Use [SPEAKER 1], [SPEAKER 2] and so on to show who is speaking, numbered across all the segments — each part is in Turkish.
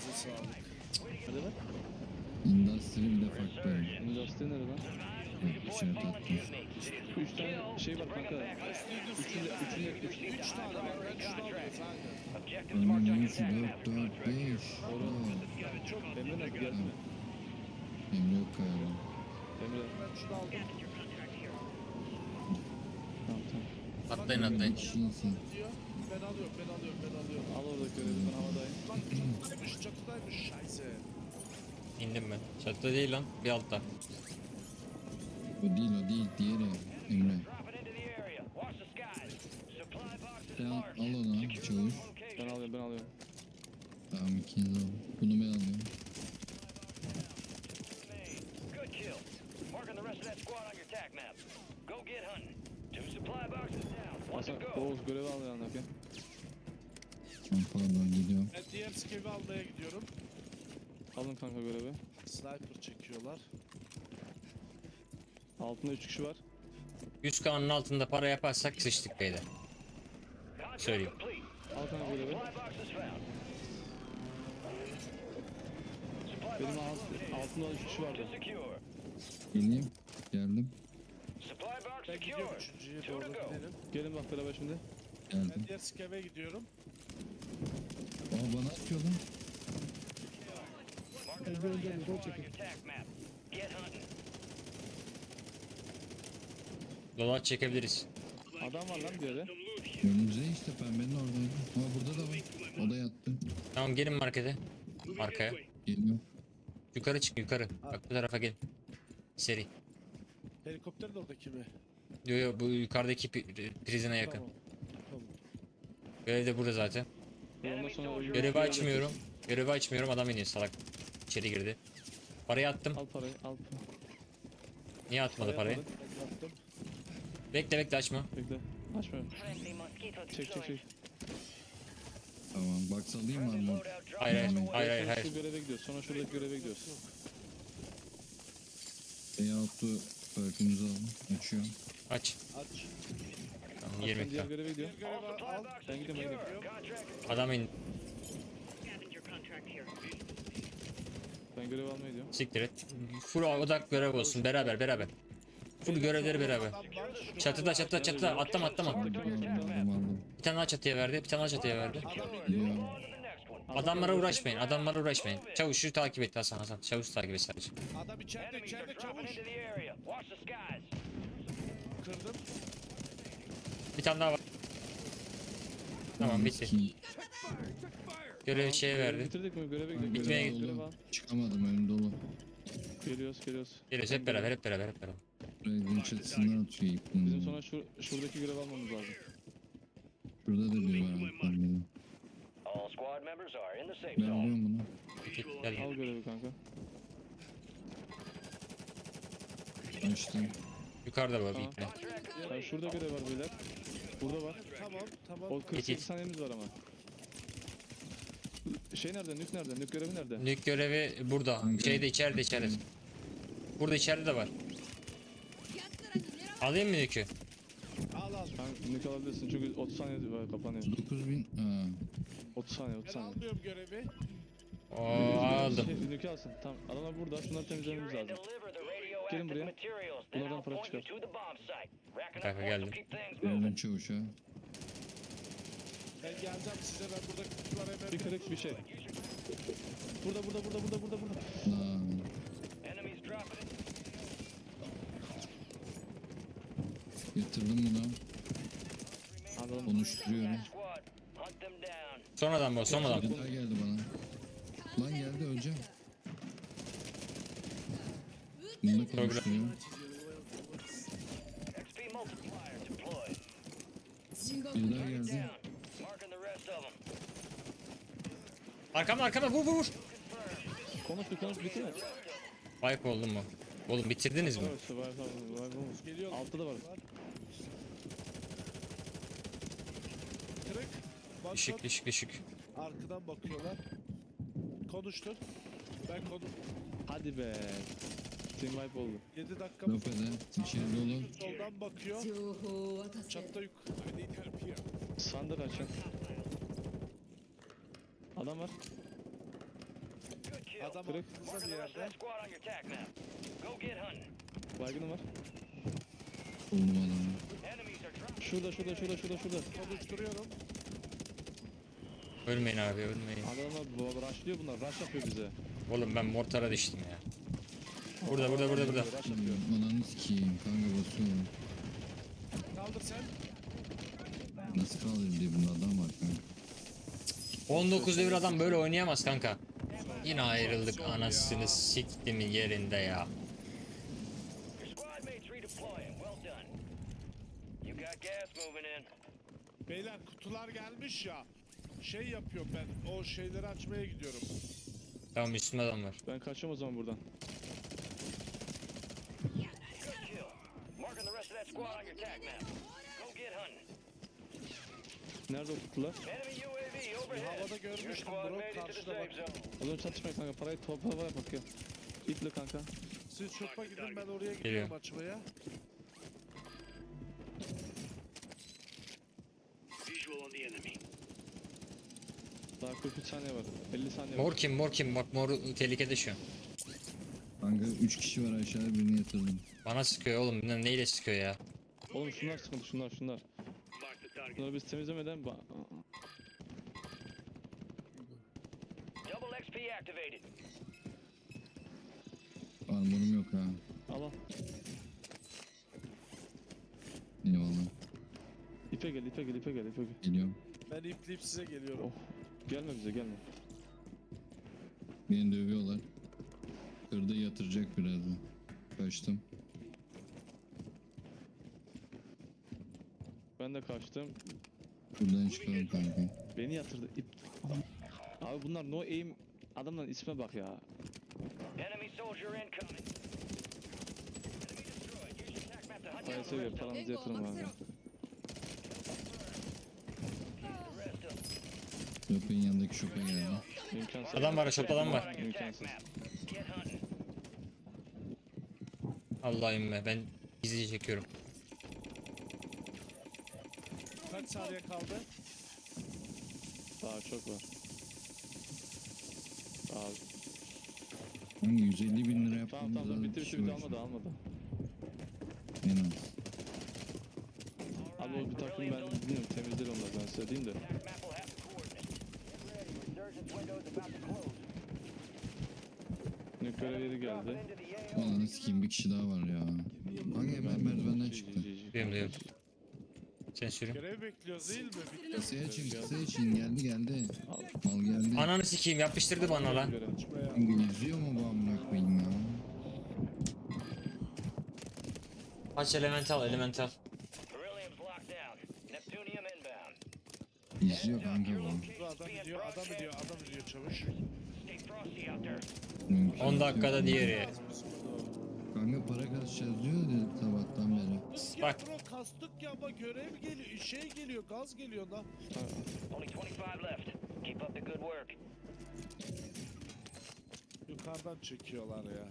[SPEAKER 1] Elinize sağlık.
[SPEAKER 2] Hadi lan.
[SPEAKER 3] Industry bir de farklı oyun.
[SPEAKER 2] Industry nerede lan?
[SPEAKER 3] İşaret attım.
[SPEAKER 2] 3 tane şey var kanka.
[SPEAKER 1] Üç tane var. Ben şunu alıyoruz aynen.
[SPEAKER 3] Önüm 3, 4, 4, 5.
[SPEAKER 2] Emre nerede geldi mi?
[SPEAKER 3] Emre yok galiba.
[SPEAKER 2] Emre.
[SPEAKER 1] Ben şunu aldım.
[SPEAKER 2] Tamam tamam.
[SPEAKER 4] Atlayın
[SPEAKER 3] Emre bir
[SPEAKER 4] atlayın.
[SPEAKER 3] kişi insin.
[SPEAKER 1] Diyor. Ben alıyorum.
[SPEAKER 2] Al oradaki görevi ben havadayım.
[SPEAKER 1] Lan çatıdaymış. Şayse.
[SPEAKER 4] İndim ben. Çatıda değil lan. Bir altta.
[SPEAKER 3] O değil diğeri Emre. Sen al onu çavuş.
[SPEAKER 2] Ben alıyorum.
[SPEAKER 3] Tamam ikiniz al. Bunu ben alıyorum.
[SPEAKER 5] Good kill. Marking the rest of that squad on your attack map. Go get hunting. 2 supply boxes down. One to
[SPEAKER 2] Hasan
[SPEAKER 5] go.
[SPEAKER 2] Oğuz görevi al yanındaki.
[SPEAKER 3] Tamam pardon gidiyorum.
[SPEAKER 1] Ben diğer skevi almaya gidiyorum.
[SPEAKER 2] Alın kanka görevi.
[SPEAKER 1] Sniper çekiyorlar.
[SPEAKER 2] Altında 3 kişi var.
[SPEAKER 4] 100K'nın altında para yaparsak sıçtık beyler.
[SPEAKER 5] Contract
[SPEAKER 4] Söyleyeyim.
[SPEAKER 5] complete.
[SPEAKER 2] Al kanka görevi.
[SPEAKER 5] Supply boxes found. Supply
[SPEAKER 2] Benim
[SPEAKER 5] boxes
[SPEAKER 2] altında 3 kişi vardı.
[SPEAKER 5] to secure.
[SPEAKER 3] Geleyim. Geldim.
[SPEAKER 5] Supply box
[SPEAKER 1] Ben gidiyorum
[SPEAKER 5] secure.
[SPEAKER 1] üçüncüye
[SPEAKER 5] 2 to
[SPEAKER 1] doğru
[SPEAKER 5] go.
[SPEAKER 1] gidelim.
[SPEAKER 2] Gelin bak beraber şimdi.
[SPEAKER 3] Geldim.
[SPEAKER 1] Ben diğer skeve gidiyorum.
[SPEAKER 3] Aa bana atıyor lan.
[SPEAKER 5] Marking the rest of that squad on your attack map. Get hunting.
[SPEAKER 4] Dolar çekebiliriz.
[SPEAKER 2] Adam var lan bir yere.
[SPEAKER 3] Önümüzde işte pembenin oradaydı. Aa burada da var. O da yattı.
[SPEAKER 4] Tamam gelin markete. Arkaya.
[SPEAKER 3] Geliyor.
[SPEAKER 4] Yukarı çık yukarı. Bak bu tarafa gelin. Seri.
[SPEAKER 1] Helikopter de oradaki mi?
[SPEAKER 4] Yo bu yukarıdaki prizine yakın.
[SPEAKER 1] Tamam. Tamam.
[SPEAKER 4] Görev de burada zaten.
[SPEAKER 2] Ondan sonra
[SPEAKER 4] Görevi açmıyorum. Görevi açmıyorum. Adam iniyor salak. İçeri girdi. Parayı attım.
[SPEAKER 2] Al parayı al.
[SPEAKER 4] Niye atmadı parayı?
[SPEAKER 1] Ben yaptım.
[SPEAKER 4] Bekle açma.
[SPEAKER 2] Bekle. Açmıyorum. Çek.
[SPEAKER 3] Tamam. Box alayım mı armor?
[SPEAKER 4] Hayır.
[SPEAKER 2] Şu göreve gidiyoruz. Sonra şuradaki göreve gidiyoruz.
[SPEAKER 3] Beyaltı perkümüzü alın. Açıyorum.
[SPEAKER 4] Aç.
[SPEAKER 1] Aç.
[SPEAKER 4] Tamam
[SPEAKER 2] Ben
[SPEAKER 4] 20
[SPEAKER 2] diğer
[SPEAKER 4] k.
[SPEAKER 2] göreve gidiyorum.
[SPEAKER 1] Görevi al.
[SPEAKER 2] Ben gidiyorum.
[SPEAKER 4] Adam in.
[SPEAKER 6] Scavenger contract here.
[SPEAKER 2] Ben görev almaya gidiyorum.
[SPEAKER 4] Siktir et. Full odak görev olsun beraber. Full görevleri beraber.
[SPEAKER 1] Adam var.
[SPEAKER 4] Çatıda atlama.
[SPEAKER 3] Aldım.
[SPEAKER 4] Bir tane daha çatıya verdi.
[SPEAKER 3] Geliyor.
[SPEAKER 4] Adamlara uğraşmayın. Çavuşu takip et Hasan. Çavuş takip et sadece.
[SPEAKER 1] Adam içeride
[SPEAKER 5] Enemies are dropping
[SPEAKER 1] çavuş.
[SPEAKER 5] into the area. Watch the skies.
[SPEAKER 1] Kırdım.
[SPEAKER 4] Bir tane daha var. Tamam bitti. Görev şeye verdi.
[SPEAKER 2] Bitirdik mi? Göreve gidiyoruz.
[SPEAKER 4] Bitmeye
[SPEAKER 2] Görev al,
[SPEAKER 4] gitti.
[SPEAKER 2] görev al.
[SPEAKER 3] Çıkamadım önüm dolu.
[SPEAKER 2] Geliyoruz.
[SPEAKER 4] Geliyoruz hep beraber.
[SPEAKER 3] Revin çatısından atıyor ipini.
[SPEAKER 2] Bizim sonra şuradaki görev almamız lazım.
[SPEAKER 3] Şurada da biri var. Pembenin.
[SPEAKER 5] All squad members are in the safe
[SPEAKER 3] Ben
[SPEAKER 5] zone.
[SPEAKER 3] alıyorum bunu.
[SPEAKER 4] Gel.
[SPEAKER 2] Al görevi kanka.
[SPEAKER 3] Açtım.
[SPEAKER 4] Yukarıda var bir
[SPEAKER 2] Tamam.
[SPEAKER 4] ipne.
[SPEAKER 2] Yani şurada görev var beyler. Burada var.
[SPEAKER 1] Tamam.
[SPEAKER 2] O 48
[SPEAKER 4] Git.
[SPEAKER 2] saniyemiz var ama. Şey nerede? Nük nerede? Nük görevi nerede?
[SPEAKER 4] Nük görevi burada. Şeyde içeride. Burada içeride de var. Alayım mı nükü?
[SPEAKER 1] Al.
[SPEAKER 2] Sen nük alabilirsin çünkü 30 saniye var kapanıyor.
[SPEAKER 3] 9000. Aa.
[SPEAKER 2] 30 saniye.
[SPEAKER 1] Ben almıyorum görevi.
[SPEAKER 4] Oo aldım.
[SPEAKER 2] Nükü alsın. Tamam. Adamlar burada. Şunları temizlememiz
[SPEAKER 5] Secure and
[SPEAKER 2] lazım.
[SPEAKER 5] deliver the
[SPEAKER 2] Gelin
[SPEAKER 5] radioactive
[SPEAKER 2] buraya.
[SPEAKER 5] materials. Then
[SPEAKER 2] Bunlardan
[SPEAKER 5] I'll
[SPEAKER 2] para
[SPEAKER 5] point you
[SPEAKER 2] çıkar.
[SPEAKER 5] to the bomb site. Racking
[SPEAKER 4] Kanka,
[SPEAKER 5] up points
[SPEAKER 4] geldim.
[SPEAKER 5] will keep things
[SPEAKER 3] Revin
[SPEAKER 5] moving.
[SPEAKER 3] çavuşa.
[SPEAKER 1] Ben geleceğim size. Ben burada kutular hemen.
[SPEAKER 2] Bir kırık bir şey. Burada.
[SPEAKER 3] Lan.
[SPEAKER 5] Enemies dropping it.
[SPEAKER 3] Yatırdım bunu.
[SPEAKER 2] Anladım.
[SPEAKER 3] Konuşturuyorum.
[SPEAKER 5] Squad. Hunt them down.
[SPEAKER 4] Son adam bu.
[SPEAKER 3] Bir daha geldi bana. Lan geldi öleceğim. Bunu da konuşturuyorum.
[SPEAKER 5] XP multiplier deployed.
[SPEAKER 3] Bir daha geldi.
[SPEAKER 5] Down. Marking the rest of them.
[SPEAKER 4] Arkama vur.
[SPEAKER 2] Konuş bitti mi?
[SPEAKER 4] Wipe oldu mu? Oğlum bitirdiniz mi?
[SPEAKER 2] Evet, var.
[SPEAKER 1] Geliyor.
[SPEAKER 2] Altta da var.
[SPEAKER 1] Kırık. Bak,
[SPEAKER 4] Düşük.
[SPEAKER 1] arkadan bakıyorlar. Konuştur. Ben konu.
[SPEAKER 2] Hadi be. Team wipe oldu.
[SPEAKER 1] 7 dakika
[SPEAKER 3] Lopez'e. İçeri dolu.
[SPEAKER 1] soldan bakıyor. Çatta yük.
[SPEAKER 2] Sandık açın. Adam var.
[SPEAKER 1] Adam
[SPEAKER 2] Direkt.
[SPEAKER 1] aklınızda bir
[SPEAKER 5] Marking the rest of
[SPEAKER 1] yerde.
[SPEAKER 5] that squad on your attack map. Go get hunting.
[SPEAKER 2] Baygınım var.
[SPEAKER 3] Buldum adamı.
[SPEAKER 5] Enemies are dropping.
[SPEAKER 2] Şurada.
[SPEAKER 1] Konuşturuyorum.
[SPEAKER 4] Ölmeyin abi ölmeyin.
[SPEAKER 2] Adamlar rushlıyor bunlar. Rush yapıyor bize.
[SPEAKER 4] Oğlum ben mortara düştüm ya. Burada.
[SPEAKER 2] Rush yapıyor.
[SPEAKER 3] Ananı sikeyim kanka basıyorum.
[SPEAKER 1] Kaldır sen.
[SPEAKER 3] Nasıl kaldırır diye bunda adam var kanka.
[SPEAKER 4] 19 devir adam böyle oynayamaz kanka. Yine ayrıldık anasını siktim yerinde ya.
[SPEAKER 5] Your squad mates redeploying. Well done. You got gas moving in.
[SPEAKER 1] Beyler kutular gelmiş ya. Şey yapıyorum ben. O şeyleri açmaya gidiyorum.
[SPEAKER 4] Tamam üstümde adam var.
[SPEAKER 2] Ben kaçıyorum o zaman buradan.
[SPEAKER 5] Good kill. Marking the rest of that squad on your attack map. Go get hunting.
[SPEAKER 2] Nerede o kutular?
[SPEAKER 5] Enemy UAV overhead.
[SPEAKER 1] Havada
[SPEAKER 5] Your
[SPEAKER 1] görmüştüm
[SPEAKER 5] squad
[SPEAKER 1] bro.
[SPEAKER 5] made it to the
[SPEAKER 1] Karşıda
[SPEAKER 5] safe
[SPEAKER 1] bak.
[SPEAKER 5] zone.
[SPEAKER 2] O zaman çatışmayın kanka. Parayı topla bak ya. İple kanka.
[SPEAKER 1] Siz şopa gidin ben oraya gidiyorum
[SPEAKER 4] Geliyor.
[SPEAKER 1] açmaya.
[SPEAKER 2] Daha 43 saniye var. 50 saniye var.
[SPEAKER 4] Mor kim? Bak mor tehlikede şu an.
[SPEAKER 3] Kanka 3 kişi var aşağıya birini yatırdım.
[SPEAKER 4] Bana sıkıyor oğlum. Neyle sıkıyor ya?
[SPEAKER 2] Oğlum şunlar sıkıntı şunlar. Bunları biz temizlemeden
[SPEAKER 5] Double XP activated.
[SPEAKER 3] Armorum yok ha.
[SPEAKER 2] al.
[SPEAKER 3] Eyvallah.
[SPEAKER 2] İpe gel.
[SPEAKER 3] Geliyorum.
[SPEAKER 1] Ben ipleyip size geliyorum.
[SPEAKER 2] Oh. Gelme bize gelme.
[SPEAKER 3] Beni dövüyorlar. Kırda yatıracak birazdan. Kaçtım.
[SPEAKER 2] Ben de kaçtım.
[SPEAKER 3] Buradan çıkalım kanka.
[SPEAKER 2] Beni yatırdı. İp. Abi bunlar no aim. Adamların isme bak ya.
[SPEAKER 5] Enemy soldier incoming. Enemy destroyed. Use your attack map to hunt down
[SPEAKER 2] Parayı
[SPEAKER 5] the
[SPEAKER 2] seviyor.
[SPEAKER 5] rest of them.
[SPEAKER 2] Paranızı yatırın abi.
[SPEAKER 5] The rest of them.
[SPEAKER 3] Köpeğin yanındaki şopa geldi.
[SPEAKER 2] İmkansız.
[SPEAKER 4] Adam var, shop adam var.
[SPEAKER 5] On your attack
[SPEAKER 2] İmkansız.
[SPEAKER 5] map. Get hunting.
[SPEAKER 4] Allah'ım be ben gizlice çekiyorum.
[SPEAKER 1] Kaç saniye kaldı?
[SPEAKER 2] Daha çok var. Abi.
[SPEAKER 3] Kanka 150 bin lira
[SPEAKER 2] Tamam
[SPEAKER 3] yaptığımız
[SPEAKER 2] bitti almadı.
[SPEAKER 3] En az.
[SPEAKER 2] Abi o bir takım ben bilmiyorum temizler onlar ben size diyeyim de.
[SPEAKER 5] Attack map will have the coordinates. Get ready. Resurgence window is about to close.
[SPEAKER 2] Nük görevleri geldi.
[SPEAKER 5] Dropping into the AO.
[SPEAKER 3] Ananı sikeyim bir kişi daha var ya. Kanka hemen merdivenden çıktı.
[SPEAKER 4] Duyuyorum. Sen sürün.
[SPEAKER 1] Görev bekliyoruz değil mi? Bitti.
[SPEAKER 3] Kısa için geldi. Mal geldi.
[SPEAKER 4] Ananı sikeyim yapıştırdı bana lan.
[SPEAKER 1] Açmaya.
[SPEAKER 3] Kanka izliyor mu bu amına koyayım ya?
[SPEAKER 4] Aç elemental.
[SPEAKER 5] Beryllium's locked down. Neptunium inbound.
[SPEAKER 3] İzliyor kanka bu.
[SPEAKER 1] Bu adam gidiyor çavuş.
[SPEAKER 5] Stay frosty out there.
[SPEAKER 3] Mümkün
[SPEAKER 4] 10 dakikada
[SPEAKER 3] yok.
[SPEAKER 4] diğeri.
[SPEAKER 3] Kanka para kasacağız diyor dedi sabahtan beri.
[SPEAKER 1] Kastık
[SPEAKER 4] Bak.
[SPEAKER 1] ya bro kastık ya ama görev geliyor. Şey geliyor gaz geliyor lan.
[SPEAKER 5] Only 25 left. Keep up the good work.
[SPEAKER 1] Yukarıdan çekiyorlar ya.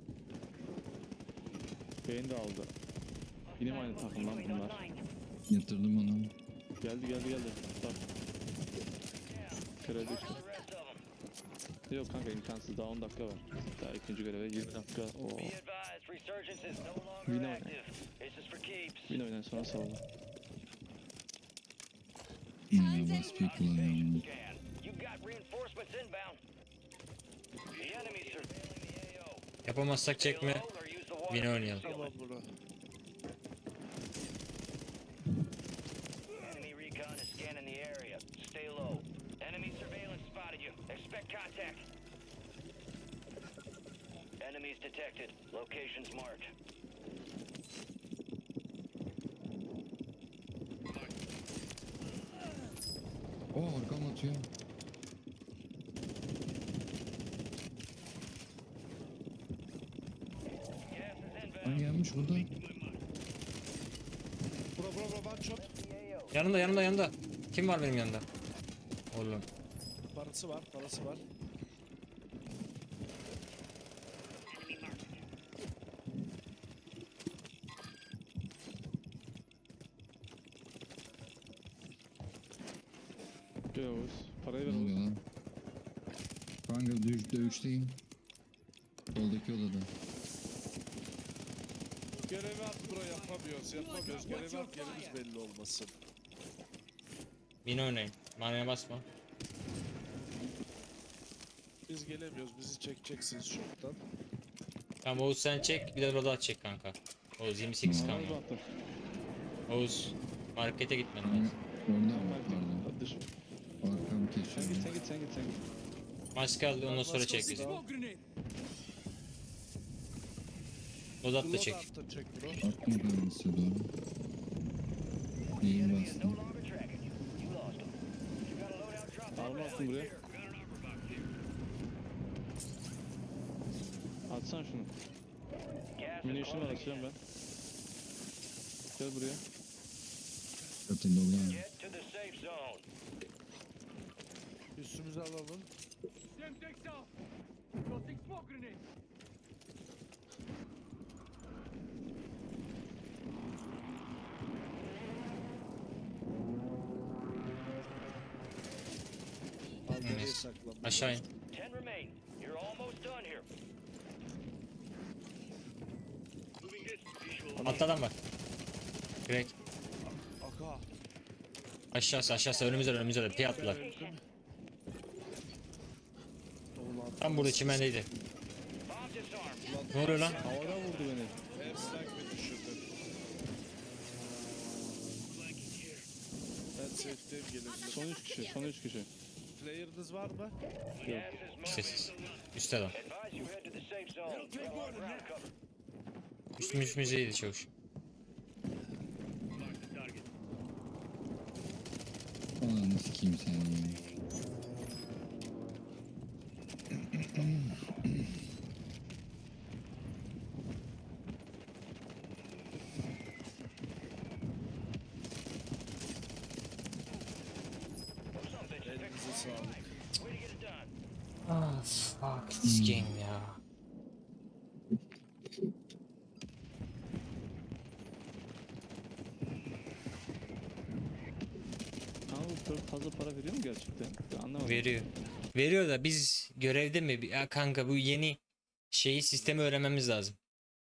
[SPEAKER 2] Beni de aldı. Yine mi aynı takım lan bunlar?
[SPEAKER 3] Yatırdım onu.
[SPEAKER 2] Geldi. Bak. Kredi işte.
[SPEAKER 5] The rest of them.
[SPEAKER 2] Yok kanka imkansız daha 10 dakika var. Daha ikinci göreve 20 dakika. Oo.
[SPEAKER 5] Be advised, resurgence is no longer
[SPEAKER 2] We know.
[SPEAKER 5] active. This is for keeps.
[SPEAKER 2] Yine oynan sonra saldı.
[SPEAKER 3] Baskıyı kullanıyorum.
[SPEAKER 5] Scan. You've got reinforcements inbound. The enemy's surveilling the AO.
[SPEAKER 4] Yapamazsak
[SPEAKER 5] Stay
[SPEAKER 4] çekme.
[SPEAKER 5] low or use the water
[SPEAKER 4] Yine oynayalım.
[SPEAKER 1] Tamam bunu.
[SPEAKER 5] Enemy recon is scanning the area. Stay low. Enemy surveillance spotted you. Expect contact. Enemies detected. Locations marked.
[SPEAKER 3] Arkam atıyor.
[SPEAKER 5] Gas is inbound.
[SPEAKER 3] Lan gelmiş burada.
[SPEAKER 1] Bro one shot.
[SPEAKER 4] Yanımda. Kim var benim yanımda? Oğlum.
[SPEAKER 1] Parası var.
[SPEAKER 6] Enemy marked.
[SPEAKER 2] Gel Oğuz. Parayı ver
[SPEAKER 3] Ne
[SPEAKER 2] Oğuz.
[SPEAKER 3] oluyor lan? Kanka dövüşteyim. Soldaki odada.
[SPEAKER 1] Görevi at bro, yapamıyoruz. Görevi at, yerimiz belli olmasın.
[SPEAKER 4] Bin oynayın. Manaya basma.
[SPEAKER 1] Biz gelemiyoruz, bizi çekeceksiniz çoktan.
[SPEAKER 4] Tamam Oğuz sen çek, bir de Rodat çek kanka. Oğuz 28
[SPEAKER 3] Tamam.
[SPEAKER 4] kanka.
[SPEAKER 2] Orada attım.
[SPEAKER 4] Oğuz markete gitmen lazım.
[SPEAKER 3] Orada mı? Pardon.
[SPEAKER 2] Hadi dış.
[SPEAKER 3] Arkam
[SPEAKER 2] Sen
[SPEAKER 3] kesiyor.
[SPEAKER 2] git sen git sen git sen git.
[SPEAKER 4] Maske al ondan sonra çek bizi. Rodat da çek.
[SPEAKER 1] Loadout da çek bro.
[SPEAKER 3] Attım kanka doğru. Neyin
[SPEAKER 5] Enemy is
[SPEAKER 3] bastım?
[SPEAKER 5] no longer tracking you. You lost them. You got a loadout drop
[SPEAKER 2] Arma
[SPEAKER 5] inbound.
[SPEAKER 2] attım buraya. Atsana şunu.
[SPEAKER 5] Gas is
[SPEAKER 2] Munition var
[SPEAKER 5] closing
[SPEAKER 2] açacağım
[SPEAKER 5] in.
[SPEAKER 2] ben. Gel buraya.
[SPEAKER 3] Zaten dolu yani.
[SPEAKER 5] Get to the safe zone.
[SPEAKER 1] Üstümüze alalım. Nereye saklanmış?
[SPEAKER 4] Aşağı in.
[SPEAKER 5] 10 remain. You're almost done here.
[SPEAKER 4] Altta adam var. Crack.
[SPEAKER 1] Aka.
[SPEAKER 4] Aşağısı önümüzde P attılar.
[SPEAKER 1] Ulan.
[SPEAKER 4] Tam burada çimendeydi.
[SPEAKER 5] Bomb disarmed.
[SPEAKER 4] Ne oluyor lan?
[SPEAKER 2] Havada vurdu beni.
[SPEAKER 1] Airstrike mi düşürdü? Ben safe'deyim, gelebilirim.
[SPEAKER 2] Son 3 kişi.
[SPEAKER 1] Player'ınız var mı?
[SPEAKER 5] Gas is moving.
[SPEAKER 4] Sessiz. Üstte adam.
[SPEAKER 5] Advise you head to the safe zone. You have our ground cover.
[SPEAKER 4] Üstümüze iyiydi çavuş.
[SPEAKER 3] Ananı sikeyim seni.
[SPEAKER 5] Some bitches pick
[SPEAKER 1] Elinize sağlık.
[SPEAKER 5] way to get it done.
[SPEAKER 4] Ah fuck this game ya.
[SPEAKER 2] Ama bu perk fazla para veriyor mu gerçekten? Ben anlamadım.
[SPEAKER 4] Veriyor. Veriyor da biz görevde mi? Ya kanka bu yeni şeyi sistemi öğrenmemiz lazım.